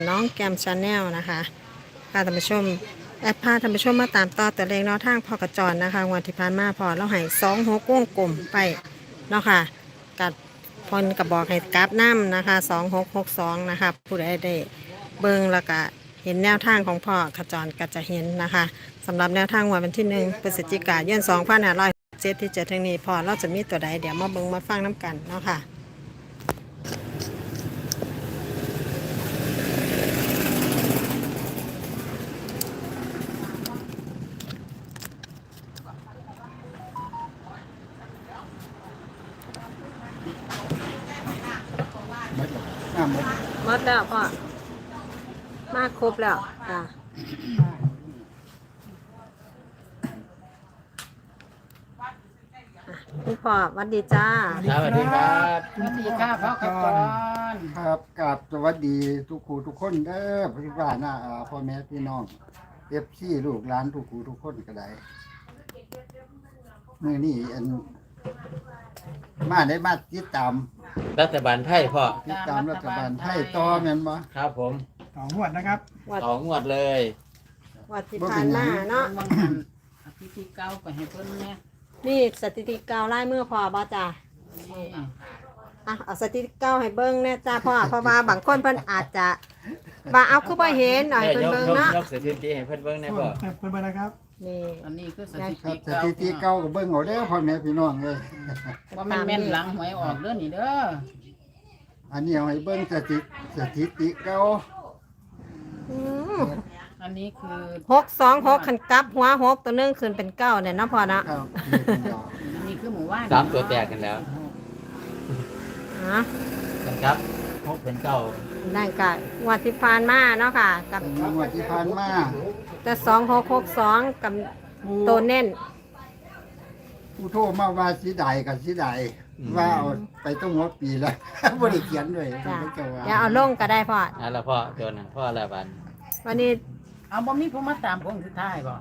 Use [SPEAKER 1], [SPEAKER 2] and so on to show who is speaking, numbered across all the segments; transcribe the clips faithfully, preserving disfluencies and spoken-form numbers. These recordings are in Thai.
[SPEAKER 1] น้องแกมชาแนลนะคะพาท่านผู้ชมแอปพาท่านผู้ชมมาตามต่อตัวเลขแนวทางพอกระจรนะคะงวดที่ผ่านมาพอเราให้สองหกวงกลมไปเนาะค่ะกับพลกับบอกให้กราฟน้ำนะคะสองหกหกสองนะคะผู้ใดได้เบิ้งแล้วก็เห็นแนวทางของพ่อกระจรก็จะเห็นนะคะสำหรับแนวทางงวดวันที่หนึ่งพฤศจิกายนสองพันห้าร้อยเจ็ดที่จะถึงนี้พอเราจะมีตัวใดเดี๋ยวมาเบิ้งมาฟังน้ำกันเนาะค่ะ
[SPEAKER 2] น้ำหมด
[SPEAKER 1] หมดแล้วพ่อมาครบแล้วอ่ะคุณพ่อสวัสดีจ้า
[SPEAKER 3] สวัสดีครับ
[SPEAKER 2] สวัสดีครับพ่อกรครับกับสวัสดีทุกครูทุกคนเด้อพี่บ้านหน้าพ่อแม่พี่น้องเอฟซีลูกหลานทุกครูทุกคนก็ได้มื่อนี้อันมาได้มาติดตาม
[SPEAKER 3] รัฐบาลไทยพ่อ
[SPEAKER 2] ติดตามรัฐบาลไทยต่อแม่นบ่
[SPEAKER 3] ครับผม
[SPEAKER 4] สองงวดนะครับ
[SPEAKER 1] วัด
[SPEAKER 3] สองงวดเลย
[SPEAKER 1] วัดที่ผ่านมาเนาะ
[SPEAKER 5] บางหันพิธีเก่าก็ให้เพิ่นเนี่ย
[SPEAKER 1] นี่สถิติเก่าไล่มือพ่อบ่จ้าอ่ะเอาสถิติเก่าให้เบิ้งแน่จ้าพ่อเพราะว่าบางคนเพิ่นอาจจะว่าเอาคือบ่เห็นหน่อย
[SPEAKER 3] เอ้ย
[SPEAKER 1] เพิ่น
[SPEAKER 3] ยก
[SPEAKER 1] เบิ้ง
[SPEAKER 3] ยก
[SPEAKER 1] เนาะ
[SPEAKER 3] ยกสถิติให้เพิ่นเบิ่งแหน่พ่อ
[SPEAKER 4] เพื่อนไปนะครับ
[SPEAKER 1] นี่
[SPEAKER 5] อันนี้คือส
[SPEAKER 1] ได้
[SPEAKER 5] ถิ
[SPEAKER 2] ครั
[SPEAKER 5] ติ
[SPEAKER 2] บส
[SPEAKER 5] เก่า
[SPEAKER 2] ถิติเก่าก็เบิ่งเอาเด้อพ่อแม่พี่น้องเลย
[SPEAKER 5] ว่ามันแม่นหลังหวยออกเด้อนี่เด้อ
[SPEAKER 2] อันนี้เอาให้เบิ่งสถิติสถิติเก่า
[SPEAKER 1] อืม
[SPEAKER 5] อันนี้คือ
[SPEAKER 1] หกสองหกขันกลับหัวหกตัวหนึงขึ้นเป็นเก้าเนี่ยเนาะพ่อเนาะ
[SPEAKER 2] ครับเรียกเป็นดอก
[SPEAKER 5] อันนี้คือหมู่บ้าน
[SPEAKER 3] สามตัวแตกกันแล้ว
[SPEAKER 1] อ่ะ
[SPEAKER 3] นะครับพกเป็นเก้า
[SPEAKER 1] ได้กะวัดที่ผ่านมาเนาะค่ะ กับ
[SPEAKER 2] เป็นงวดที่ผ่านมา
[SPEAKER 1] แต่สองหกหกสองกับตัวเน้น
[SPEAKER 2] ผู้โทรมาว่าสิได้กับสิได้ว่าเอาไปต้องหัวปีแล้ว บ่ได้เขียนด้วย
[SPEAKER 1] จ้ะ
[SPEAKER 2] มันก็ว่า
[SPEAKER 1] อย่าเอาลงก็ได้พ่อ
[SPEAKER 3] นั่นละพ่อตัวนั้นพ่อละบัน
[SPEAKER 1] วันนี้
[SPEAKER 5] เอาบ่มีผู้มาตามพงสุดท้ายบ่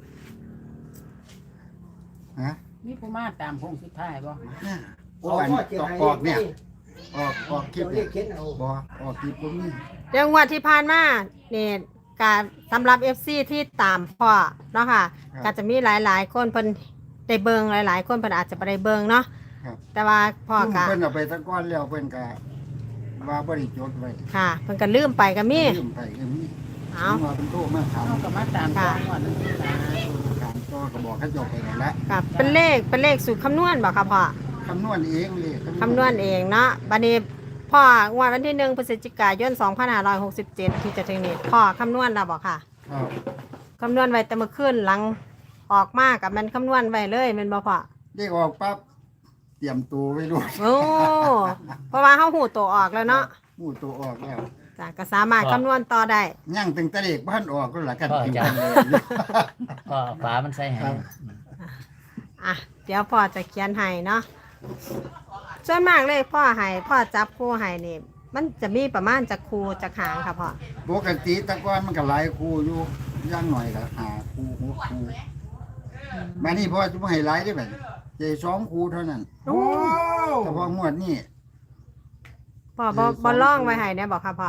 [SPEAKER 2] ฮะ
[SPEAKER 5] มีผู้มาตามพงสุดท้ายบ่
[SPEAKER 2] โอ้อันออกออกเนี่ยออกออกคลิปเนี่ยบ่ออกคลิปบ่มี
[SPEAKER 1] เรื่องวัดที่ผ่านมานี่การสำหรับ เอฟ ซี ที่ตามพ่อเนาะค่ะก็จะมีหลายๆ คนเพิ่นได้เบิงหลายๆ คนเพิ่นอาจจะบ่ได้เบิงเนาะ
[SPEAKER 2] ครับ
[SPEAKER 1] แต่ว่าพ่อ
[SPEAKER 2] ซุ่ม
[SPEAKER 1] ก็
[SPEAKER 2] เพิ่นเอาไปตะก้อนแล้วเพิ่นก็ว่าบ่ได้จดไว้
[SPEAKER 1] ค่ะเพิ่นก็ลืมไปก็มี
[SPEAKER 2] ลืมไปก็มี
[SPEAKER 1] เอา
[SPEAKER 2] ว่าเพิ่นโทรมาถาม
[SPEAKER 5] เฮาก็มาตามตามว่านั่นคือตา
[SPEAKER 2] ถามต่อก็บอกเขาเจบไปนั่นแหละ
[SPEAKER 1] กับเป็นเลขเป็นเลขสูตรคำนวณบ่ค่ะพ่อ
[SPEAKER 2] คำนวณเองเลย
[SPEAKER 1] คำนวณเองเนาะบัดนี้พ่องวดวันที่หนึ่งพฤศจิกายนสองพันห้าร้อยหกสิบเจ็ดที่จะถึงนี้พ่อคำนวณแล้วบ่ค่ะ
[SPEAKER 2] ครับ
[SPEAKER 1] คำนวณไว้แต่เมื่อคืนหลังออกมากับมันคำนวณไว้เลยแม่นบ่พ่อ
[SPEAKER 2] เด็กออกปั๊บเตรียมตัวไว้ด้วย
[SPEAKER 1] โอ้เพราะว่าเฮาหูตัวออกแล้วเนาะ
[SPEAKER 2] หมู่ตัวออกแล้ว
[SPEAKER 1] จ้ะก็สามารถคำนวณต่อได้
[SPEAKER 2] ย่างตั้งแต่เด็กบ้านออกก็หละกัน
[SPEAKER 3] พ่อ
[SPEAKER 2] ถึง
[SPEAKER 3] จั
[SPEAKER 2] กัน นเลย
[SPEAKER 3] พ่อฝามันใส่ให้
[SPEAKER 1] อ่ะเดี๋ยวพ่อจะเขียนให้เนาะส่วนมากเลยพ่อให้พ่อจับคู่ให้นี่มันจะมีประมาณจักคู่จักหางค่ะพ่อ
[SPEAKER 2] ปกติแตะก้อนมันก็หลายครูอยู่ย่างหน่อยก็หาครูหกครูมานี่พ่อจะไม่ให้หลายได้ไหมเจสองครูเท่านั้น
[SPEAKER 1] โอ้
[SPEAKER 2] แต่พองวดนี่
[SPEAKER 1] พ่อบ่บ่ล่องไว้ให้เนี่ยบอกค่ะพ่อ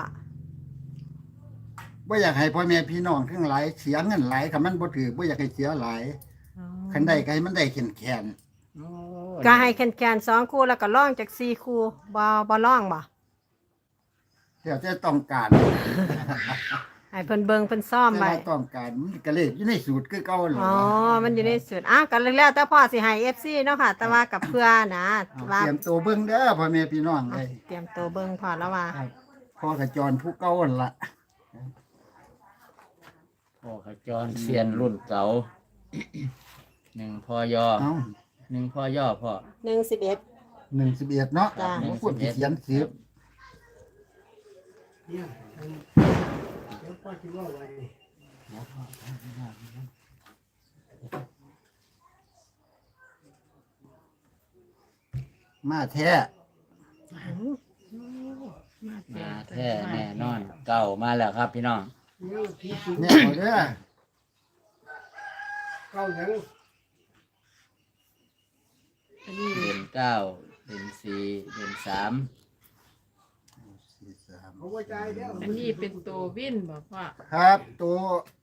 [SPEAKER 2] ว่าอยากให้พ่อแม่พี่น้องทั้งหลายเสียเงินหลายคันมันบ่ถือบ่อยากให้เสียหลายคันได้ก็ให้มันได้แข็งแข็ง
[SPEAKER 5] โอ้
[SPEAKER 1] ก็ให้แคนๆสองคู่แล้วก็ล่องจากสี่คู่บ่บ่ล่องบ่
[SPEAKER 2] เดี๋ยวจะต้องการ
[SPEAKER 1] ให้เพิ่นเบิ่งเพิ่นซ่อม
[SPEAKER 2] แต่
[SPEAKER 1] ไว้
[SPEAKER 2] ว่าต้องการมันก็เลยอยู่ในสูตรคือเก่าหรอ
[SPEAKER 1] อ๋อมันอยู่ในสุดอ่ะก็แล้วแต่พ่อสิให้ เอฟ ซี เนาะค่ะ แต่ว่ากับเพื่อนะ
[SPEAKER 2] เอา
[SPEAKER 1] ว่า
[SPEAKER 2] เตรียมตัวเบิ่งเด้อพ่อแม่พี่น้อง
[SPEAKER 1] อ่ะ
[SPEAKER 2] เลย
[SPEAKER 1] เตรียมตัวเบิ่งพ่อแล้วว่า
[SPEAKER 2] ครับพ่อกระจรผู้เก่าหั่นล่ะ
[SPEAKER 3] พ่อขจรเซียนรุ่นเก่าหนึ่งพ่อย่อ
[SPEAKER 2] เอ้า
[SPEAKER 3] หนึ่งพ่อย่อพ่อ
[SPEAKER 1] หนึ่งสิบเอ็ด
[SPEAKER 2] หนึ่งสิบเอ็ดเนาะ
[SPEAKER 1] จ้ะ
[SPEAKER 2] ผมพูดเขียนสิบมาแท้
[SPEAKER 3] มาแท้แน่นอนเก้ามาแล้วครับพี่น้อง
[SPEAKER 2] เนี่ยเอาเด้อ
[SPEAKER 3] เดือนเก้าเดือนสี่เดือนสาม
[SPEAKER 2] สี่สาม
[SPEAKER 4] อันนี้เป็นตัววินบอกพ่อ
[SPEAKER 2] ครับตัว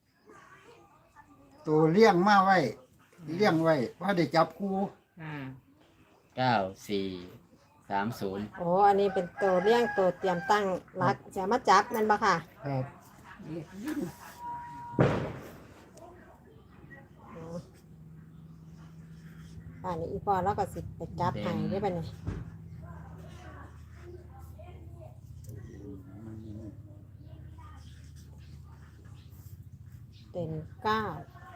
[SPEAKER 2] ตัวเลี้ยงมาไว้เลี้ยงไว้เพราะได้จับคู่
[SPEAKER 4] ค่ะ
[SPEAKER 3] เก้าสี่สามศูนย์
[SPEAKER 1] โอ้อันนี้เป็นตัวเลี้ยงตัวเตรียมตั้งรักจะมาจับแมันบ่ค่ะ
[SPEAKER 2] ครับ
[SPEAKER 1] อ๋อป่านนี้อีพอแล้วก็สิไปจับให้ได้ป่ะเนี่ยเต็มเก้า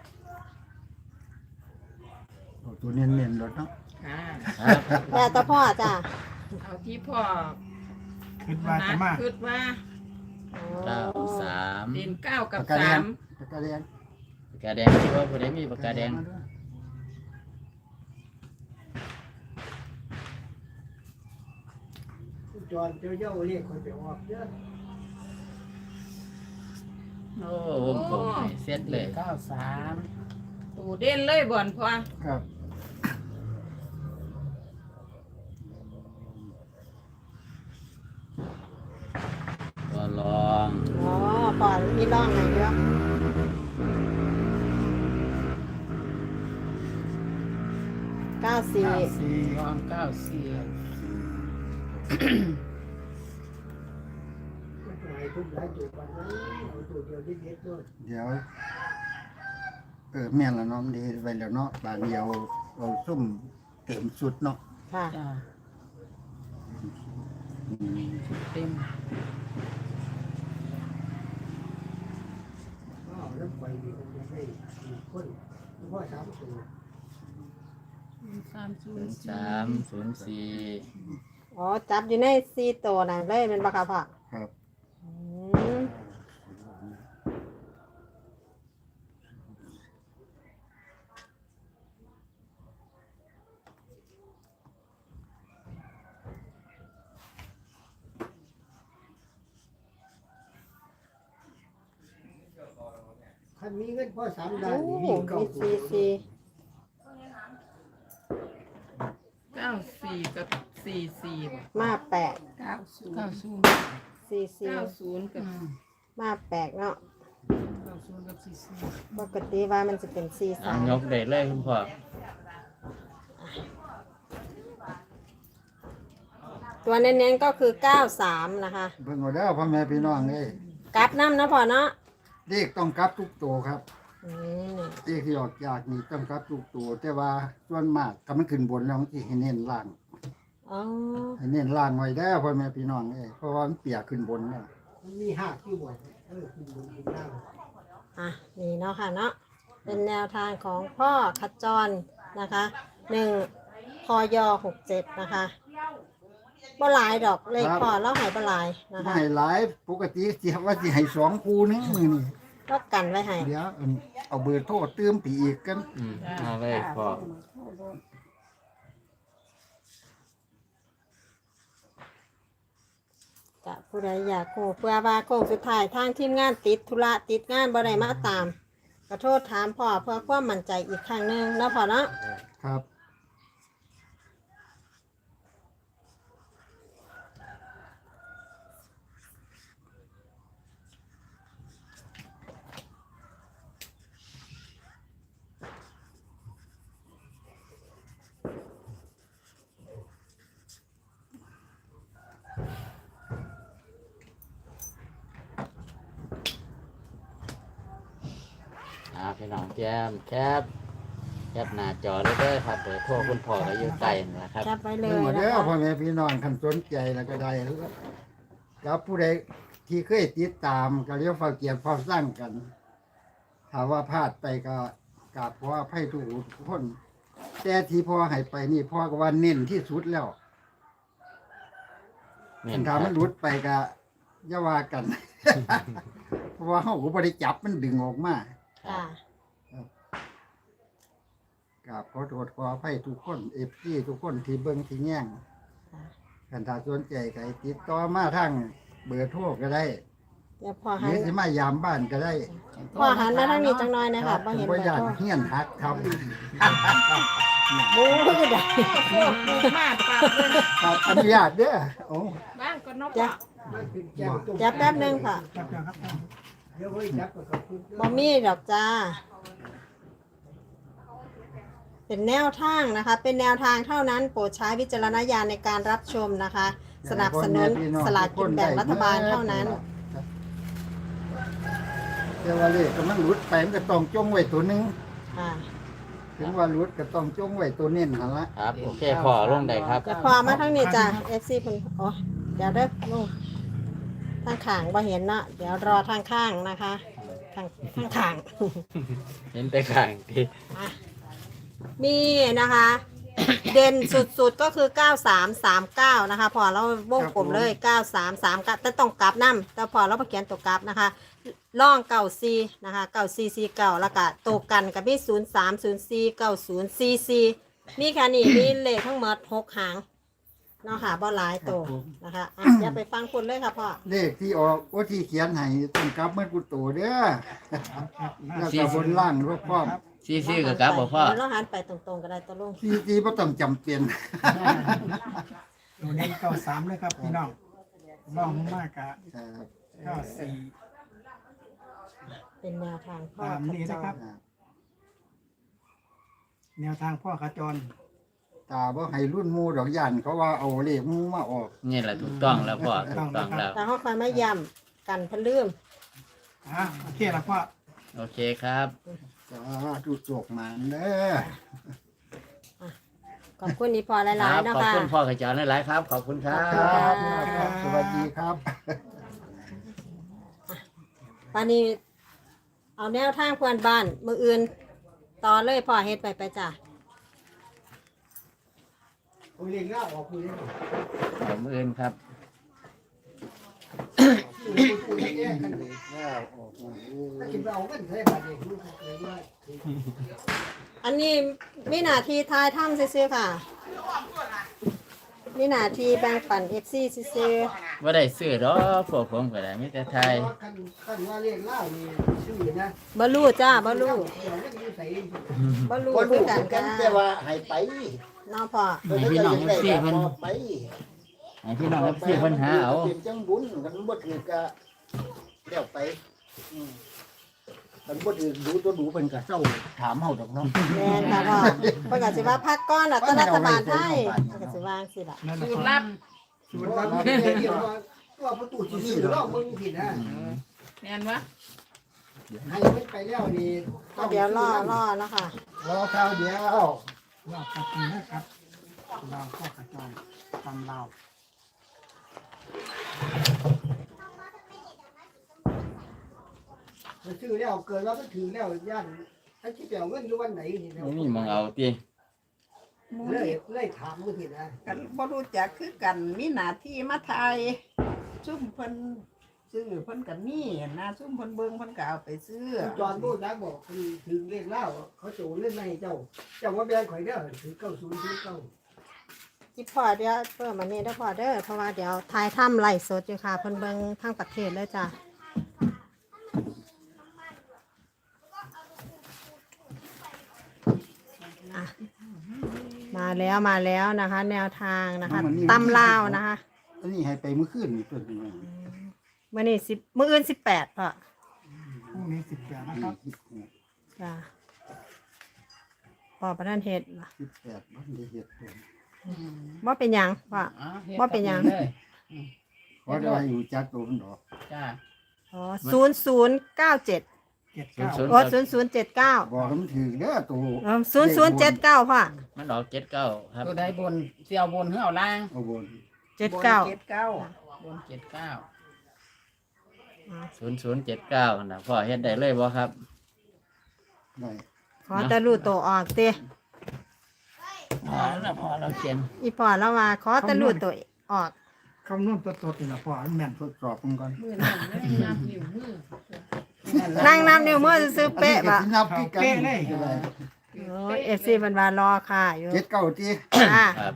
[SPEAKER 2] เอาตัวเน้นๆรถเนาะ
[SPEAKER 4] ค่ะ
[SPEAKER 3] ครับ
[SPEAKER 1] แต่ตะพ่อจ้ะ
[SPEAKER 4] เอาที่พ่อ
[SPEAKER 6] ขึ้นมาจะมา
[SPEAKER 4] คิดว่า
[SPEAKER 1] อ๋อ
[SPEAKER 3] เก้าสาม
[SPEAKER 4] เด่นเก้ากับ
[SPEAKER 2] ปากกาแด
[SPEAKER 4] สาง ม
[SPEAKER 2] ปากกาแดง
[SPEAKER 3] ปากกาแดงที่ว่าผู้ใดมีปากกาแดง
[SPEAKER 2] มาด้วย
[SPEAKER 7] จอนเจ้าเย้าเรียกคนไปออกเยอะ
[SPEAKER 3] โอ้วงกลมให้เสร็จเลย
[SPEAKER 5] เก้าสาม
[SPEAKER 4] ตัวเด่นเลยบ่อนพ่อ
[SPEAKER 2] ครับ
[SPEAKER 3] ตัวรอง
[SPEAKER 1] อ๋อปอนมีร่องไหนเยอะเก้าสี่
[SPEAKER 5] สี่รองเก้าสี่
[SPEAKER 7] หลายทุกหลายตัวปันนั้นเอาตัวเดียวเด็ดๆด้วย
[SPEAKER 2] เดี๋ยวเออแม่นละเนาะมันดีไปแล้วเนาะบานเดียวเราซุ่มเต็มสุดเนาะ
[SPEAKER 1] ค่ะ
[SPEAKER 5] จ้า
[SPEAKER 2] อืม
[SPEAKER 5] เต็ม
[SPEAKER 7] อ้าวแล้วไปดีมันจะให้คนพ่อสามตัว
[SPEAKER 5] สามศู
[SPEAKER 3] ศู
[SPEAKER 5] น
[SPEAKER 3] น
[SPEAKER 5] ย์
[SPEAKER 3] ย์สามศูนย์สี่
[SPEAKER 1] อ๋อ จับอยู่ในสี่ตัวน่ะเลยเป็นบักกะพ่อ
[SPEAKER 2] ครับ
[SPEAKER 1] อืม
[SPEAKER 7] คันมีเงินพ่อสามด้า
[SPEAKER 1] โอ้
[SPEAKER 7] นนี่
[SPEAKER 1] มี
[SPEAKER 7] วิ่งเก้าตัว
[SPEAKER 1] สี่สี่
[SPEAKER 4] เก้าสี่กับสี่สี่บ่
[SPEAKER 1] มาแปด
[SPEAKER 5] เก้าศูนย์เก้าศูนย์
[SPEAKER 1] สี่สี่
[SPEAKER 4] เก้าศูนย์กับ
[SPEAKER 1] มาแปดเนาะ
[SPEAKER 5] เก้าศูนย์กับสี่สี่
[SPEAKER 1] ปกติว่ามันจะเป็นสี่
[SPEAKER 3] เอา
[SPEAKER 1] สาม
[SPEAKER 3] ยกได้เลยคุณพ่อ
[SPEAKER 1] ตัวเน้นๆก็คือเก้าสามนะคะ
[SPEAKER 2] เบิ่งเอาเด้อพ่อแม่พี่น้องเอ้ย
[SPEAKER 1] กลับน้ำนะพ่อเนาะ
[SPEAKER 2] เลขต้องกลับทุกตัวครับ
[SPEAKER 1] อืม
[SPEAKER 2] เลขที่ออกจากนี่ต้องกลับทุกตัวแต่ว่าส่วนมากถ้ามันขึ้นบนแล้วมันสิให้เน้นล่าง
[SPEAKER 1] อ๋อ
[SPEAKER 2] ให้เน้นล่างไว้เด้อพ่อแม่พี่น้องเอ้ยเพราะว่ามันเปียกขึ้นบนน่ะ
[SPEAKER 7] มันมีห้าคิวบ่เออคุณบนคุณล่าง
[SPEAKER 1] อ่ะนี่เนาะค่ะเนาะเป็นแนวทางของพ่อขจรนะคะหนึ่งพยหกเจ็ดนะคะบ่หลายดอกเลขพอแล้วใหายบ่หลายนะ
[SPEAKER 2] ไม่
[SPEAKER 1] คะ
[SPEAKER 2] ให้หลายปกติสิว่าสิให้สองคู่นึงมื้อนี้
[SPEAKER 1] ก็กันไว้ให้
[SPEAKER 2] เดี๋ยวอันเอาเบอร์โทรเติมไปอีกกัน
[SPEAKER 3] อืมมาเลยพ่อ
[SPEAKER 1] จะผู้ใดอยากโคเพื่อว่าโค้งสุดท้ายทางทีมงานติดธุระติดงานบ่ได้มาตามขอโทษถามพ่อเพื่อความมั่นใจอีกครั้งหนึงเนาะพ่อเนาะ
[SPEAKER 2] ครับ
[SPEAKER 3] อ่าพี่น้องแจมแคปแคปหน้าจอเลยเด้อครับเบอร์โทรคุณพ่อก็อยู่ใต้นี่นะครับ
[SPEAKER 1] แคปไว้เล
[SPEAKER 2] เบิ่ง
[SPEAKER 1] ย
[SPEAKER 2] เอา
[SPEAKER 1] นะ
[SPEAKER 2] เด้อ
[SPEAKER 1] คะ
[SPEAKER 2] พ่อแม่พี่น้องคันสนใจแล้วก็ได้กับผู้ใดที่เคยติดตามก็เรียกเฝ้าเกียรติเฝ้าสร้างกันถ้าว่าพลาดไปก็กราบขออภัยทุกคน แต่ที่พ่อให้ไปนี่พ่อก็ว่าเน้นที่สุดแล้ว
[SPEAKER 3] นี่
[SPEAKER 2] คัน
[SPEAKER 3] ค
[SPEAKER 2] ถา
[SPEAKER 3] รั
[SPEAKER 2] ม
[SPEAKER 3] บ
[SPEAKER 2] มันหลุดไปก็อย่าว่ากัน เพราะว่าเฮาก็บ่ได้จับมันดึงออกมา
[SPEAKER 1] ค่ะ
[SPEAKER 2] กราบขอโทษขออภัยทุกคน เอฟ ซี ทุกคนที่เบิ่งที่แย่งคันถ้าสนใจก็ให้ติดต่อมาทางเบอร์โทรก็ได้
[SPEAKER 1] เดี๋ยวพ่อ
[SPEAKER 2] ห
[SPEAKER 1] หั
[SPEAKER 2] รื
[SPEAKER 1] น
[SPEAKER 2] อสิมายามบ้านก็ได้
[SPEAKER 1] พ่อหันมาทางนี้จังน้อยนะ
[SPEAKER 2] ครั
[SPEAKER 1] คะ
[SPEAKER 2] บ
[SPEAKER 1] บ่
[SPEAKER 2] ผม
[SPEAKER 1] เห็น
[SPEAKER 2] บ่
[SPEAKER 1] เบอร์
[SPEAKER 2] อยาก
[SPEAKER 1] โทร
[SPEAKER 2] เฮียนหักครับ
[SPEAKER 1] บู๊ก็ได้
[SPEAKER 4] โอ้โหมาปรับเลย
[SPEAKER 2] ครับอนุญาตเด้อโอ้
[SPEAKER 4] บ้างก็นก
[SPEAKER 1] จ้ะ
[SPEAKER 4] อ่ะ
[SPEAKER 7] มันเป็นแก้วต้ม
[SPEAKER 1] จับแป๊บหนึงค่ะ
[SPEAKER 6] ครับเดี๋ยวครับ
[SPEAKER 7] เดี๋ยวไว้จับกับขอบคุณ
[SPEAKER 1] บอมี่ดอกจ้า เป็นแนวทางนะคะ เป็นแนวทางเท่านั้นโปรดใช้วิจารณญาณในการรับชมนะคะ สนับสนุนสลากกินแบ่งรัฐบาลเท่านั้น
[SPEAKER 2] แต่ว่าเลขก็มันหลุดไปมันก็ต้องจงไว้ตัวหนึง
[SPEAKER 1] ค่ะ
[SPEAKER 2] ถึงว่าหลุดก็ต้องจงไว้ตัวเน้นหั่นละ
[SPEAKER 3] ครับโอเคพ่อลงได้ครับ
[SPEAKER 1] จะพอมาทั้งนี้จ้ะ เอฟ ซี คุณโอ้เดี๋ยวเด้อลุงทางข้างบ่เห็นเนาะเดี๋ยวรอทางข้างนะคะทางทางข้าง
[SPEAKER 3] เห็นแต่ข้างที่
[SPEAKER 1] อ่ะมีนะคะ เด่นสุดๆก็คือ เก้าสามสามเก้า นะคะ พอเราวงกลมเลย เก้าสามสามเก้า แต่ต้องกลับน้ำแต่พอเราไปเขียนตัวกลับนะคะล่องเก่าซีนะคะเก่าซีซีเก่าแล้วก็ตัวกันกับพี่ศูนย์สามศูนย์สี่เก้าศูนย์ซีซีมีแค่นี้ มีเลขทั้งหมดหกหางเนาะค่ะบ่หลายตัวนะคะอ่ะอย่าไปฟังคนเลยค่ะพ่อ
[SPEAKER 2] เลขที่ออกโอ้ที่เขียนให้ต้องกลับเมื่อกูโตเด้อแล้วก็บนล่างรบพร้อม
[SPEAKER 3] ซีซีกับกลับบ่พ่อ
[SPEAKER 1] เดี๋ยวเราหันไปตรงๆก็ได้ตัวลง
[SPEAKER 2] ที่ที่บ่ต้องจำเป็น
[SPEAKER 6] ตัวนี้เก้าสามเลยครับพี่น้องลองมากกะ
[SPEAKER 2] ครับ
[SPEAKER 6] เก้าสี่
[SPEAKER 1] เป็นแนวทางพ่อ
[SPEAKER 6] ตามนี้นะครับ แนวทางพ่อขจร
[SPEAKER 2] ตาบ่ให้รุ่นหมู่ดอกย่านเขาว่าเอาเลขหมู่มาออก
[SPEAKER 3] นี่แหละถูกต้องแล้วพ่อถูกต้องแล้ว
[SPEAKER 1] แต่เขาคอยไม่ย้ำกันเพนลืม
[SPEAKER 6] อ่ะโอเคแล้วพ่อ
[SPEAKER 3] โอเคครับ
[SPEAKER 2] สาธุโชคมาเด้อ
[SPEAKER 1] ขอบคุณนี่พอห
[SPEAKER 3] ค
[SPEAKER 1] ลาย
[SPEAKER 3] รับ
[SPEAKER 1] ๆนะ
[SPEAKER 3] ขอบ
[SPEAKER 1] คะ
[SPEAKER 3] คุณพ่อกระจรหลายๆครับ ขอบคุณครับ
[SPEAKER 2] ครับครับสวัสดีครับ
[SPEAKER 1] ตอนนี้ เอาแนวทางเพื่อนบ้าน มืออื่น ต่อเลยพ่อเฮ็ดไปไปจ้ะ
[SPEAKER 7] ผมเรียนง่าออกคุยได้
[SPEAKER 3] ผมอื่นครับ
[SPEAKER 7] คุยแยกกันเลย
[SPEAKER 2] แล้วออกมา
[SPEAKER 7] ถ้าคิดว่าเอาเงินใช้บาทเองรู้เลยว่า
[SPEAKER 1] อันนี้มีหน้าที่ทายถ้ำซื้อๆค่ะ มีหน้าที่แบ่งปันเอฟซีซื้อ
[SPEAKER 3] ว่าได้ซื้อดอกพวกผมก็ได้มีแต่ไทย
[SPEAKER 7] คันคันว่าเรียกเล่านี่ชื่อนะ
[SPEAKER 1] ๆบลูจ้าบลู
[SPEAKER 7] เดี๋ยวจะมีใส่
[SPEAKER 1] บลู
[SPEAKER 2] คน
[SPEAKER 1] คื
[SPEAKER 2] รู้
[SPEAKER 1] อกัน
[SPEAKER 2] กั
[SPEAKER 1] จ้าน
[SPEAKER 2] แต่ว่าให้ไป
[SPEAKER 1] น้องพ่อ
[SPEAKER 3] ให้พี่น้องเอฟซีเพิ่น
[SPEAKER 2] ไป
[SPEAKER 3] ให้พี่น้องเอฟซีเพิ่นหาเอา
[SPEAKER 2] เป็นจังบุญกันบ่ถือก็แล้วไปอืมกันบ่ถือดูตัวดูเพิ่นก็เศร้าถามเฮาดอกเนาะ
[SPEAKER 1] แม่นค่ะพ่อเพิ่นก็สิว่าพักก้อนอ่ะต้นรัฐบาลไทยเพิ่นก็สิว่าจังซี่ล่ะ
[SPEAKER 6] นั่นแหละ
[SPEAKER 4] สูต
[SPEAKER 6] พ่
[SPEAKER 4] ร
[SPEAKER 6] อ
[SPEAKER 4] ลับ
[SPEAKER 7] สูตรลับเรียกว่าตัวประตูที่สี่รอบมึงผิดนะ
[SPEAKER 4] แม่นวะ
[SPEAKER 7] ให้ไม่ไปแล้วนี่
[SPEAKER 1] ก็เดี๋ยวรอรอเนาะค่ะ
[SPEAKER 2] รอข้าวเดียว
[SPEAKER 6] รอบกับนี้นะครับลองพ่อขจรตำลาว
[SPEAKER 7] มันชื่อแล้วเกิดว่ามันถือแล้วย่านถ้าคิดเดี๋ยวเงินอยู่วันไหนนี่
[SPEAKER 3] บ่มีหมองเอาติ
[SPEAKER 7] เลยเลยถามมึงผิดนะ
[SPEAKER 5] กันบ่รู้จักคือกันมีหน้าที่มาทายซุ่มเพิ่นซื้อเพิ่นก็มีนะซุ่มเพิ่นเบิ่งเพิ่นก็เอาไปซื้อ
[SPEAKER 7] จอนพูดนะบอกคือถึงเลขเล่าเขาโจเล่นในเจ้าเจ้าว่าแบงข่อยเด้อถือเก้าศูนย์ถือเก้า
[SPEAKER 1] จิพ่อเดี๋ยวเพิ่มอันนี้เด้อพ่อเด้อเพราะว่าเดี๋ยวทายถ้ำไล่สดอยู่ค่ะเพิ่นเบิ่งทั้งประเทศเลยจ้ะอ่ะมาแล้วมาแล้วนะคะ แนวทางนะคะตำลาวนะคะ
[SPEAKER 2] อันนี้ให้ไปมื้อคืนนี่เพิ่นนี่
[SPEAKER 1] มื่อนี้สิบมื่ออื่นสิบแปดพ่อ
[SPEAKER 6] พรุ่งนี้สิบแปดนะครับ
[SPEAKER 1] จ้ะพ่อประธานเฮ็ดล่ะ
[SPEAKER 2] สิบแปดบ่ได้เฮ็ดเพิ่น
[SPEAKER 1] ว่าเป็นหยังพ่อ บ่เป็นหยัง
[SPEAKER 2] เพราะได้อยู่จักตัวมันดอก
[SPEAKER 3] จ้า
[SPEAKER 1] อ๋อศูนย์ศูนย์เก้าเจ็ด
[SPEAKER 6] เจ็ดเก้า
[SPEAKER 3] ศูนย์
[SPEAKER 1] โอ้ศูนย์ศูนย์เจ็ดเก้า
[SPEAKER 2] บอกให้มันถือเด้อตัว
[SPEAKER 1] ศูนย์ศูนย์เจ็ดเก้าพ่อ
[SPEAKER 3] มันออกเจ็ดเก้าครับ
[SPEAKER 5] ตัวใดบนเสี่ยวบนเฮือเอาล่าง
[SPEAKER 2] เอาบน
[SPEAKER 1] เจ็ดเก้า
[SPEAKER 5] เจ็ดเก้า
[SPEAKER 4] บนเจ็ดเก้า
[SPEAKER 3] ศูนย์ศูนย์เจ็ดเก้านะพ่อเฮ็ดได้เลยบ่ครับ
[SPEAKER 2] ได้
[SPEAKER 1] ขอแต่รู้ตัวออกเต้
[SPEAKER 3] พอแล้วพอเราเขียน
[SPEAKER 1] อีพ่อแล้วว่าขอแต่รู้ตัวออก
[SPEAKER 6] คำนวณตัวตดนี่นะพ่ออันแม่น
[SPEAKER 2] ทดสอบมันก่อน
[SPEAKER 4] มือนั่นเลยนับนิ้วมือ
[SPEAKER 1] นั่งนับนิ้วมือซื้อๆเป๊ะ
[SPEAKER 2] อันนี้
[SPEAKER 1] ปะ
[SPEAKER 2] ก็สินับคือกัน
[SPEAKER 1] โอ้เอฟซีมันมารอค่ะอยู่
[SPEAKER 2] เจ็ดเก้าตี
[SPEAKER 1] อ่า
[SPEAKER 3] ครับ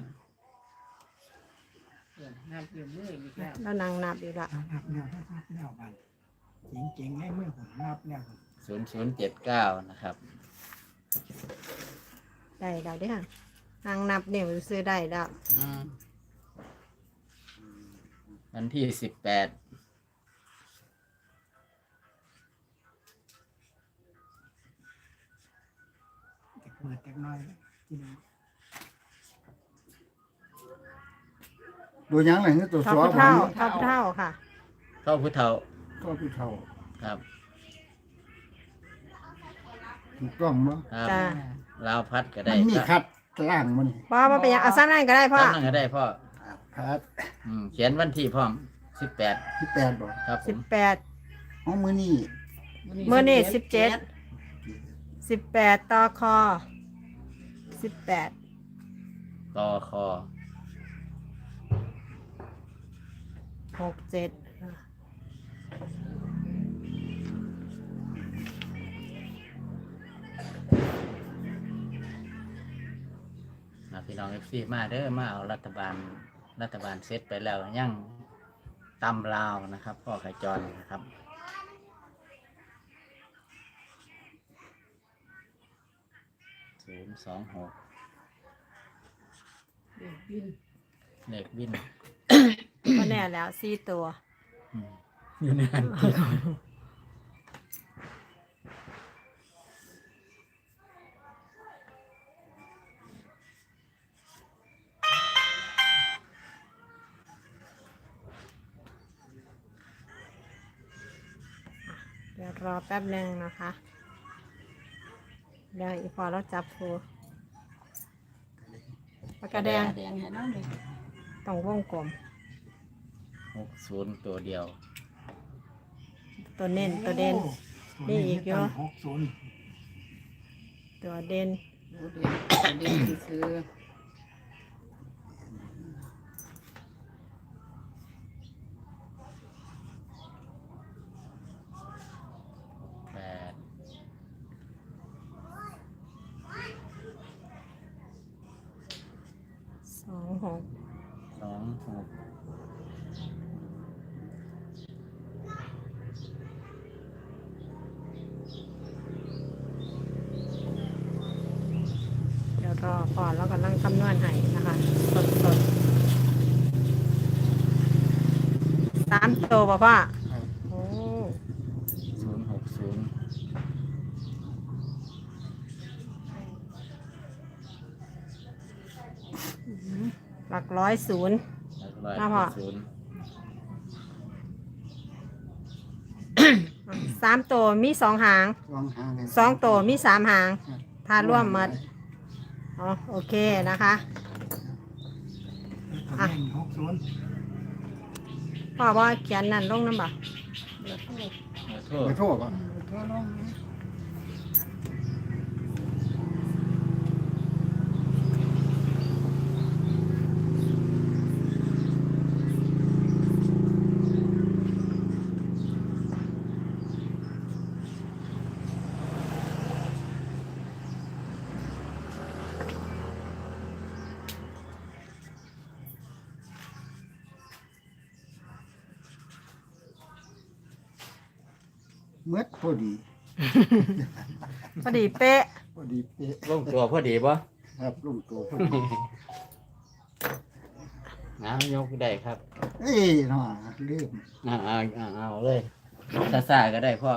[SPEAKER 4] นับนิ้วมืออีกแล้ว
[SPEAKER 1] แล้วนั่งนับอยู่ละ
[SPEAKER 6] นับแนวนับแนวบันเจ๋งๆให้มือผมนับแนว
[SPEAKER 3] ศูนย์ศูนย์เจ็ดเก้านะครับ
[SPEAKER 1] ได้แล้วเด้อนั่งนับนิ้วซื้อได้แล้ว
[SPEAKER 3] อืมวันที่สิบแปด
[SPEAKER 6] เปิดเล็กน้อยที่นี่
[SPEAKER 2] ดูยังไงนี่ตัว
[SPEAKER 1] เท่า
[SPEAKER 2] สอ
[SPEAKER 1] ผู้
[SPEAKER 2] บ
[SPEAKER 1] เท่าเท่าผู้เท่าค่ะ
[SPEAKER 3] เข้าพุทธเฒ่า
[SPEAKER 2] ก็พี่เท่า
[SPEAKER 3] ครับ
[SPEAKER 2] ถูกต้องมั้ง
[SPEAKER 3] ครับ
[SPEAKER 1] จ้า
[SPEAKER 3] ลาวพัดก็
[SPEAKER 2] มั
[SPEAKER 3] ได้
[SPEAKER 2] นมีคัดล่างมัน
[SPEAKER 1] พ่อมาเป็นหยังเอาซ้ำนั่นก็ได้พ่อ
[SPEAKER 3] ตั้งนั่นก็ได้พ่อ
[SPEAKER 2] คัด
[SPEAKER 3] อืมเขียนวันที่พร้อมสิบแปด
[SPEAKER 2] ที่แปดบอก
[SPEAKER 3] ครับผ
[SPEAKER 1] สิบ
[SPEAKER 3] ม
[SPEAKER 1] แปด
[SPEAKER 2] อ๋อมือนี่
[SPEAKER 1] เมื่อนี่สิบเจ็ดสิบแปดต่อคอสิบแปด
[SPEAKER 3] กอคอ
[SPEAKER 1] หกเจ็ด
[SPEAKER 3] นะพี่น้องเอฟซีมาเด้อมาเอารัฐบาลรัฐบาลเซตไปแล้วยังตำลาวนะครับพ่อขจรนะครับศูนย์สองหก
[SPEAKER 4] เด็กบิน
[SPEAKER 3] เลขวิน
[SPEAKER 1] ก็แน่แล้วสี่ตัว
[SPEAKER 3] อืมอยู่ในนั้น
[SPEAKER 1] เดี๋ยวรอแป๊บหนึ่งนะคะเดี๋ยวอีพอเราจับฟูปากกาแดง
[SPEAKER 5] แดงให้น้องเลย
[SPEAKER 1] ต้องวงกลม
[SPEAKER 3] หกศูนย์ตัวเดียว
[SPEAKER 1] ตัวเน้นตัวเด่น นี่อีกเยอะ
[SPEAKER 6] หกศูนย์
[SPEAKER 1] ตัวเด่น
[SPEAKER 4] ดูเด็กเด็กซื้อ
[SPEAKER 3] แปด
[SPEAKER 1] สองหก
[SPEAKER 3] สองหก
[SPEAKER 1] เดี๋ยวรอก่อนแล้วก็นั่งคำนวณให้นะคะ สดสดสามตัวป่ะพ่อโอ้
[SPEAKER 3] ศูนย์หกศูนย์
[SPEAKER 1] หลักร้อยศูนย์
[SPEAKER 3] ร้อย
[SPEAKER 1] ครับพ่อ
[SPEAKER 3] ศูนย์
[SPEAKER 1] สามตัวมีสองหาง
[SPEAKER 2] สองหางเลย
[SPEAKER 1] สองตัวมีสามหาง ถ้าร่วมหมดอ๋อโอเคนะคะ
[SPEAKER 6] ตัวเด่นหกศูนย์
[SPEAKER 1] พ่อว่าเขียนนั่นลงน้ำบ่
[SPEAKER 3] เบอร์โทร
[SPEAKER 2] ไปโทษก่อน
[SPEAKER 5] ทั่วโลกนะ
[SPEAKER 2] เมื่อพอดี
[SPEAKER 1] พอดีเป๊ะ
[SPEAKER 2] พอดีเป๊ะ
[SPEAKER 3] ลงตัวพอดีป่ะ
[SPEAKER 2] ครับลุงตัวพอดี
[SPEAKER 3] น้ำยกได้ครับ
[SPEAKER 2] เอ้ยน่าลืม
[SPEAKER 3] เอาเอาเอาเอาเลยซาซาก็ได้พ่อ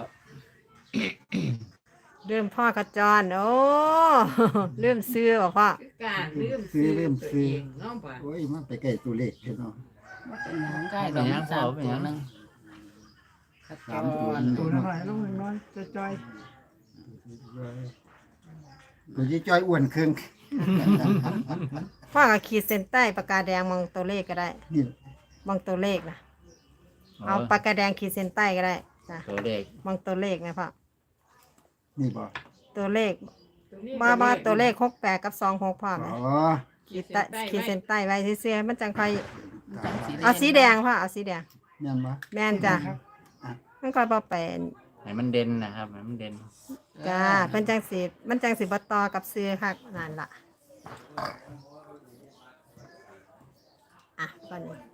[SPEAKER 1] เริ่มพ่อกระจรโอ้ เริ่มซื้อบอกพ่อ
[SPEAKER 4] คือการลืมซื้อตัวเองเนาะป่ะ
[SPEAKER 2] โอ้ยมันไปใกล้ตัวเลขเห็นเนาะ
[SPEAKER 5] ว่าเป็นหยังใกล้
[SPEAKER 3] เป็นหยังพ่อเป็นหยัง
[SPEAKER 5] นึง
[SPEAKER 2] สามตัว
[SPEAKER 6] ตัวน้อยลงน้อยจอย
[SPEAKER 2] ตัวที่จ้อยอ้วนครึ่ง
[SPEAKER 1] พ่อก็ขีดเส้นใต้ปากกาแดงมองตัวเลขก็ได้
[SPEAKER 2] นี่
[SPEAKER 1] มองตัวเลขนะเอาปากกาแดงขีดเส้นใต้ก็ได้จ้ะ
[SPEAKER 3] ตัวเลข
[SPEAKER 1] มองตัวเลขนะพ่อ
[SPEAKER 2] นี่บ่
[SPEAKER 1] ตัวเลข
[SPEAKER 4] ตัวนี้
[SPEAKER 1] บ้าบ้าตัวเลขหกแปดกับสองหกพ่อไหม
[SPEAKER 2] อ๋อ
[SPEAKER 1] ขีดใต้ขีดเส้นใต้ไว้เสื้อๆมันจังค่อย
[SPEAKER 5] จังสิ
[SPEAKER 1] เอาสีแดงพ่อเอาสีแดง
[SPEAKER 2] แม่นบ่
[SPEAKER 1] แม่นจ้ะมันก็บ่เป็น
[SPEAKER 3] ให้มันเด่นนะครับให้มันเด่น
[SPEAKER 1] จ้าเพิ่นจังสิมันจังสิบ่ต่อกับเสื้อค่ะนั่นล่ะอ่ะตอนนี้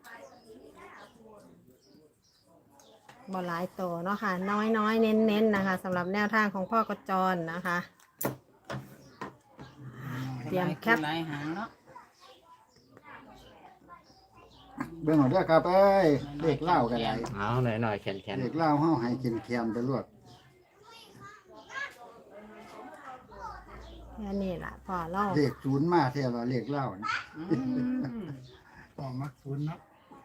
[SPEAKER 1] บ่หลายตัวเนาะค่ะ น้อยๆ เน้นๆนะคะสำหรับแนวทางของพ่อกระจรนะคะ เตรียมแคป
[SPEAKER 5] หลายหางเนาะ
[SPEAKER 2] เบิ่งเอาเด้อครับเอ้ยเลขเล่าก็ได้
[SPEAKER 3] เอาหน่อยหน่อยๆแข็งแข็ง
[SPEAKER 2] เลขเล่าเฮาให้กินแคมไปรวด
[SPEAKER 1] แค่นี้ล่ะพ่อเล่า
[SPEAKER 2] เลขศูนย์มาแท้ว่าเลขเล่านะ
[SPEAKER 6] ต่อมักศูนย์เนาะ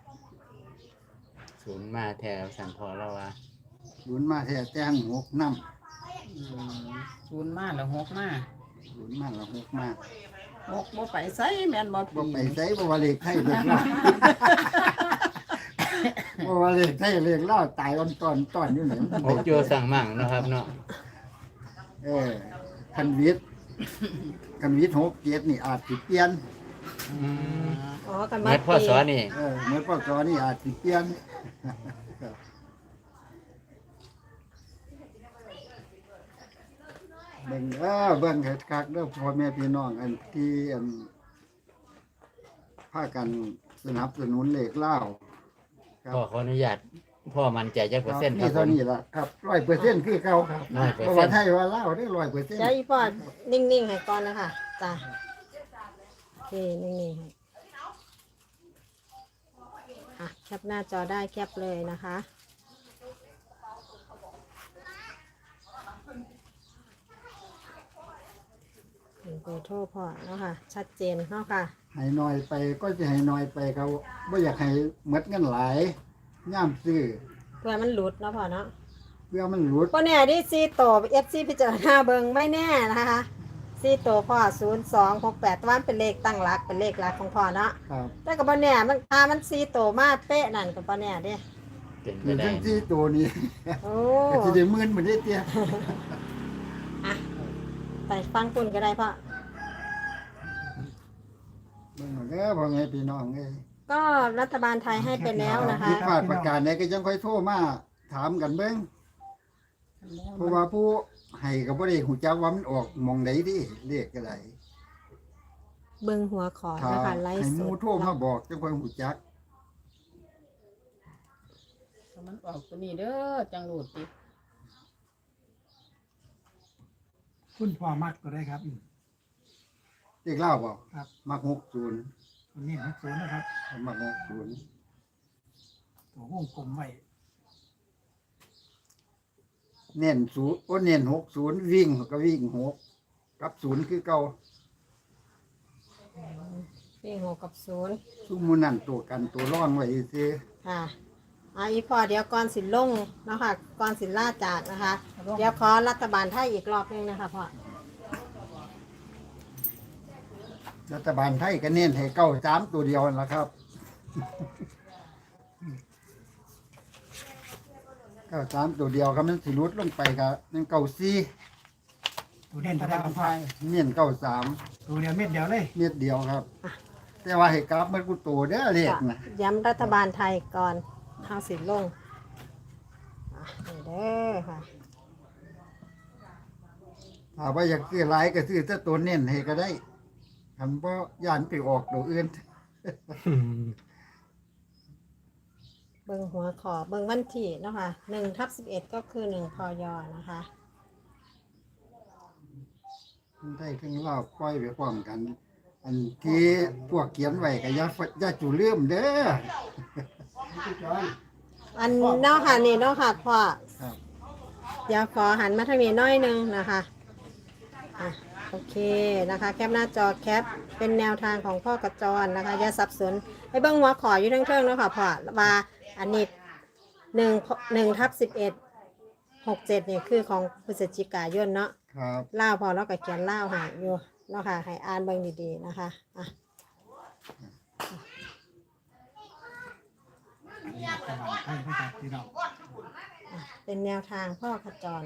[SPEAKER 3] ศูนย์มาแถวสันพอแล้ววะ
[SPEAKER 2] ศูนย์มาแท้แต่งหกนำ
[SPEAKER 5] ศูนย์มาแล้วหกมา
[SPEAKER 2] ศูนย์มาแล้วหกมา
[SPEAKER 5] หกบ่ไปไสแม่นบ่
[SPEAKER 2] บ่
[SPEAKER 5] ปี
[SPEAKER 2] ไปไสบ่ว่าเลขไทยเลขเล่า บ่ว่าเลขไทยเลขเล่าตายอ่อนตอนตอนอยู่นี่
[SPEAKER 3] หกโยสั่งมั่งเนาะครับเนาะ
[SPEAKER 2] เออคันวิทย์คันวิทย์หกเจ็ดนี่อาจสิเปลี่ยน
[SPEAKER 3] อืม
[SPEAKER 1] อ๋อกัน
[SPEAKER 3] เมื่
[SPEAKER 1] มา
[SPEAKER 3] อพ่อสอนนี่
[SPEAKER 2] เออเหมือนพศนี่อาจสิเปลี่ยน เบิ่งเออเบิ่งคักๆเด้อพ่อแม่พี่น้องอันที่อันพากันสนับสนุนเลขเล่าครับ
[SPEAKER 3] พ่อขออนุญาตพ่อมั่นใจจักเปอร์เซ็นต์ค
[SPEAKER 2] นี่
[SPEAKER 3] รับผ
[SPEAKER 2] เท่าม นี้ล่ะครับร้อยเปอร์เซ็นต์คือเก่าครับ
[SPEAKER 3] ร้อยเปอร์
[SPEAKER 2] เพราะ
[SPEAKER 3] เซ็
[SPEAKER 2] ว่าน
[SPEAKER 3] ต์
[SPEAKER 2] ไทยว่าเล่าได้ร้อยเปอร์เซ็นต์
[SPEAKER 1] เดี๋ยวอีพ่อนิ่งๆให้ก่อนนะคะจ้ะโอเคนิ่งๆให้อ่ะแคปหน้าจอได้แคปเลยนะคะเป็นเบอร์โทรพ่อเนาะค่ะ ชัดเจนเนาะค่ะ
[SPEAKER 2] ให้น้อยไปก็จะให้น้อยไปเขาบ่อยากให้หมดเงินหลายย่ามซื้อ
[SPEAKER 1] เพื่อมันหลุดเนาะพ่อเนาะ
[SPEAKER 2] เพื่อมันหลุด
[SPEAKER 1] พ่อเนี่ยที่ซีโตเอฟซีพิจารณาเบิงไม่แน่นะคะซีโตพ่อศูนย์สองหกแปดว่ามันเป็นเลขตั้งหลักเป็นเลขหลักของพ่อเนาะ
[SPEAKER 2] ครับ
[SPEAKER 1] แต่กับพ่อเนี่ยมันถ้ามันซีโตมาเป๊ะนั่นกับพ่อเนี่ยเด้
[SPEAKER 3] เป็นไป
[SPEAKER 2] มี
[SPEAKER 3] ได้
[SPEAKER 2] ทั้งที่ตัวนี้
[SPEAKER 1] โอ้
[SPEAKER 2] ก็สิได้หมื่นเหมือนได้เตี้ย
[SPEAKER 1] อะไปฟังคุณก็ได้พ่อ
[SPEAKER 2] เบิ่งเอาเด้อพ่อแม่พี่น้องเอ้ย
[SPEAKER 1] ก็รัฐบาลไทยให้ไปแล้วนะคะ
[SPEAKER 2] ผิดพลาดประการใดก็ยังค่อยโทรมาถามกันเบิ่งเพราะว่าผู้ให้ก็บ่ได้ฮู้จักว่ามันออกหม่องใดดิเลขก็ได้
[SPEAKER 1] เบิงหัวขอ
[SPEAKER 2] ถ้า
[SPEAKER 1] นะคะไล
[SPEAKER 2] ให้
[SPEAKER 1] ฟ์
[SPEAKER 2] ห
[SPEAKER 1] ส
[SPEAKER 2] มู่
[SPEAKER 1] ด
[SPEAKER 2] โทรมาบอกจังค่อยฮู้จัก
[SPEAKER 5] มันออกตัวนี้เด้อจังหลุดติ
[SPEAKER 6] คุณพ่อมักก็ได้ครับ
[SPEAKER 2] เลขเล่าบ่
[SPEAKER 6] ครับ
[SPEAKER 2] มักหกสิบ
[SPEAKER 6] ตัวนี้มักศูนย์นะครับ
[SPEAKER 2] มักหกสิบ
[SPEAKER 6] ตัววงกลมไว้
[SPEAKER 2] เน้นศูนย์โอ้เน้นหกสิบวิ่งก็วิ่งหกกับศูนย์คือเก่า
[SPEAKER 1] วิ่งหกกับศูนย์
[SPEAKER 2] ซุมหมู่นั่นตัวกันตัวร่องไว้ซื่อ
[SPEAKER 1] ค่ะอ่ะอีพอเดี๋ยวก่อนสิลงเนาะคะก่อนสิล่าจากนะคะ เดี๋ยวขอรัฐบาลไทยอีกรอบหนึงนะคะพ่อ
[SPEAKER 2] รัฐบาลไทยก็เน้นให้เก้าสามตัวเดียวนั่นล่ะครับเก้าสามตัวเดียวครับมันสิลดลงไปครับนั่นเก้าสี่
[SPEAKER 6] ตัวเด่นตัวได้ครับพ่อ
[SPEAKER 2] เน้นเก้าสาม
[SPEAKER 6] ตัวเดียวเม็ดเดียวเลย
[SPEAKER 2] เม็ดเดียวครับ แต่ว่าให้กราฟมันกูโตเด้อเลขนะ
[SPEAKER 1] ย้ำรัฐบาลไทยก่อนเข้าสิลงอ่ะนี่เด้อค่ะ
[SPEAKER 2] ถ้าว่าอยากซื้อหลายก็ซื้อแต่ตัวเน้นให้ก็ได้คันบ่ย่านไปออกตัวอื่น
[SPEAKER 1] เบิ่งหัวขอเบิ่งวันที่เนาะค่ะหนึ่งทับสิบเอ็ดก็คือหนึ่งพยนะคะ
[SPEAKER 2] คนไทยทั้งลาวปล่อยไปพร้อมกัน อันที่พวกเขียนไว้ก็อย่าฟอย่าจุลืมเด้อ
[SPEAKER 1] อันเนาะค่ะนี่เนาะค่ะพ่อ
[SPEAKER 2] ครับ
[SPEAKER 1] เดี๋ยวขอหันมาทางนี้หน้อยหนึงนะคะอ่ะโอเคนะคะ แคปหน้าจอแคปเป็นแนวทางของพ่อกระจรนะคะอย่าสับสนให้เบิ่งหัวขออยู่เทิงๆเนาะค่ะพ่อว่าอันนี้หนึ่งหนึ่งทับสิบเอ็ดหกเจ็ดเนี่ยคือของพฤศจิกายนเนาะ
[SPEAKER 2] ครับ
[SPEAKER 1] เล่าวพอแล้วก็เขียนเล่าวใหายอยู่เนาะค่ะให้อ่านเบิ่งดีๆนะคะอ่ะ
[SPEAKER 6] รัฐบาลไทยนะครับพี่น้อง
[SPEAKER 1] อ่ะเป็นแนวทางพ่อขจร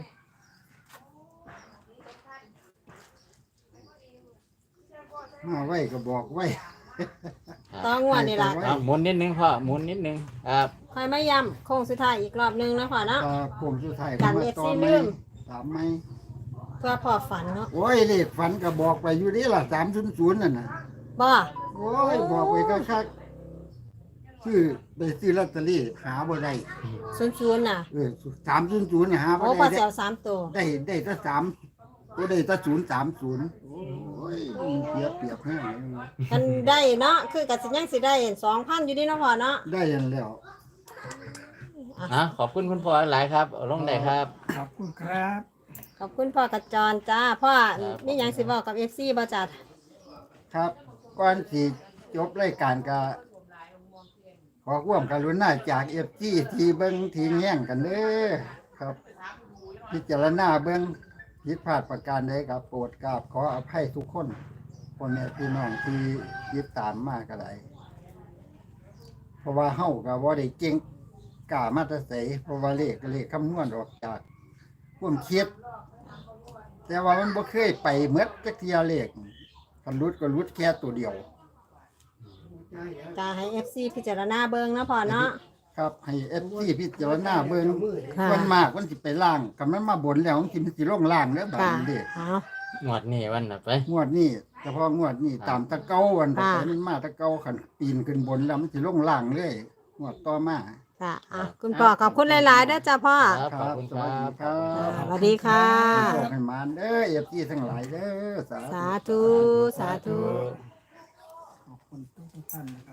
[SPEAKER 2] มาไว้ก็บอกไว้
[SPEAKER 1] ต้องวันนี่ละ
[SPEAKER 3] เอาหมุนนิดนึงพ่อหมุนนิดนึงครับ
[SPEAKER 1] คอยไม่ย้ำโค้งสุดท้ายอีกรอบนึงนะพ่อเนาะ
[SPEAKER 2] ตาผมสุดท้าย
[SPEAKER 1] กัน
[SPEAKER 2] มา
[SPEAKER 1] เอฟ
[SPEAKER 2] ต่อ
[SPEAKER 1] ซี
[SPEAKER 2] ไหม
[SPEAKER 1] ลืม
[SPEAKER 2] ถามไหม
[SPEAKER 1] เพื่อพ่อฝันเนาะ
[SPEAKER 2] โอ้ยเลขฝันก็บอกไปอยู่นี่ล่ะสามศูนย์ศูนย์นั่นน่ะ
[SPEAKER 1] บ่
[SPEAKER 2] โอ้ยบอกไปก็คักซื้อไปซื้อลอตเตอรี่หาบ่ได้
[SPEAKER 1] ศูนย์ศูนย์น่ะ
[SPEAKER 2] เออสามศูนย์ศูนย์หาบ่
[SPEAKER 1] โอ้พ่อ
[SPEAKER 2] ได้
[SPEAKER 1] เสียวสามตัว
[SPEAKER 2] ได้ได้แต่สามก็ได้แต่ศูนย์สามศูนย์
[SPEAKER 1] โอ้
[SPEAKER 2] อ้ยเปรียบเปรียบให้
[SPEAKER 1] กันได้เนาะคือกับสิยังสิได้สองพันอยู่ดีเนาะพ่อเนาะ
[SPEAKER 2] ได้ยันแล้ว
[SPEAKER 3] อ่ะขอบคุณคุณพ่อหลายครับเอาลงได้ครับ
[SPEAKER 6] ขอบคุณครับ
[SPEAKER 1] ขอบคุณพ่อกระจรจ้าพ่อ
[SPEAKER 3] ครับ
[SPEAKER 1] นี่ยังสิบอกกับเอฟซีบ่จัด
[SPEAKER 2] ครับก่อนที่จบรายการก็ขอความกรุณาจากเอฟซีที่เบิ้งที่แย่งกันเด้อครับ พิจารณาเบิ้งผิดพลาดประการใดครับโปรดกราบขออภัยทุกคนพ่อแม่พี่น้องที่ยึดตามมากก็ได้เพราะว่าเฮาก็บ่ได้เก่งกล้ามาแตะไสเพราะว่าเลขก็เลขคำนวณออกจากความคิด แต่ว่ามันบ่เคยไปหมดจักเทียเลขกันรุดก็รุดแค่ตัวเดียว
[SPEAKER 1] จะให้เอฟซีพิจารณาเบิ่งเนาะพ่อเนาะ
[SPEAKER 2] ครับให้เอฟซีพิจารณาเบิ่ง
[SPEAKER 1] ค่ะ
[SPEAKER 2] มันมากมันสิไปล่างกับมันมาบนแล้วมันสิมันสิลงล่างเด้อบาด
[SPEAKER 1] ค่ะ
[SPEAKER 2] นี้เด้
[SPEAKER 1] เอา
[SPEAKER 3] งวดนี้วันน่ะไป
[SPEAKER 2] งวดนี้เฉพาะงวดนี้ตามตะเกาวันต่อ
[SPEAKER 1] ค่ะ
[SPEAKER 2] ไปมันมาตะเกาขันปีนขึ้นบนแล้วมันสิลงล่างเลยงวดต่อมา
[SPEAKER 1] ค่ะอ่ะคุณพ่อขอบคุณหลายๆเด้อจ้าพ่อ
[SPEAKER 3] ครับขอบคุณ
[SPEAKER 2] ส
[SPEAKER 3] ค
[SPEAKER 2] วั
[SPEAKER 3] รั
[SPEAKER 2] สดี
[SPEAKER 3] บ
[SPEAKER 2] ครับ
[SPEAKER 1] สวัสดีค่ะ
[SPEAKER 2] ขอให้มานเด้อเอฟซีทั้งหลายเด้อสาธุ
[SPEAKER 1] สาธุ สาธุ
[SPEAKER 6] ขอบคุณทุกท่านนะครับ